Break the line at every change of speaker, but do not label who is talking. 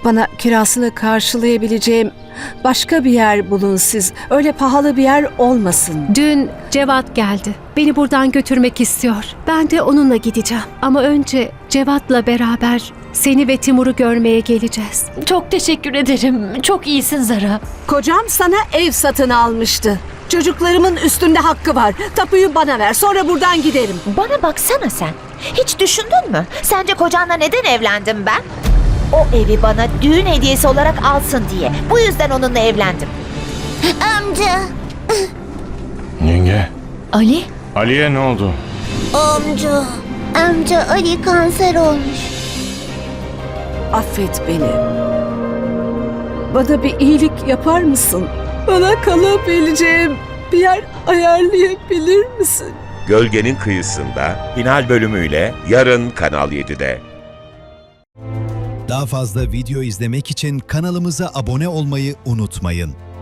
Bana kirasını karşılayabileceğim başka bir yer bulun siz. Öyle pahalı bir yer olmasın.
Dün Cevat geldi. Beni buradan götürmek istiyor. Ben de onunla gideceğim. Ama önce Cevat'la beraber seni ve Timur'u görmeye geleceğiz.
Çok teşekkür ederim. Çok iyisin Zara.
Kocam sana ev satın almıştı. Çocuklarımın üstünde hakkı var. Tapuyu bana ver, sonra buradan giderim.
Bana baksana sen. Hiç düşündün mü? Sence kocanla neden evlendim ben? O evi bana düğün hediyesi olarak alsın diye. Bu yüzden onunla evlendim.
Amca,
Yenge,
Ali?
Ali'ye ne oldu?
amca Ali kanser olmuş.
Affet beni. Bana bir iyilik yapar mısın? Bana kalabileceğim bir yer ayarlayabilir misin?
Gölgenin Kıyısında final bölümüyle yarın Kanal 7'de.
Daha fazla video izlemek için kanalımıza abone olmayı unutmayın.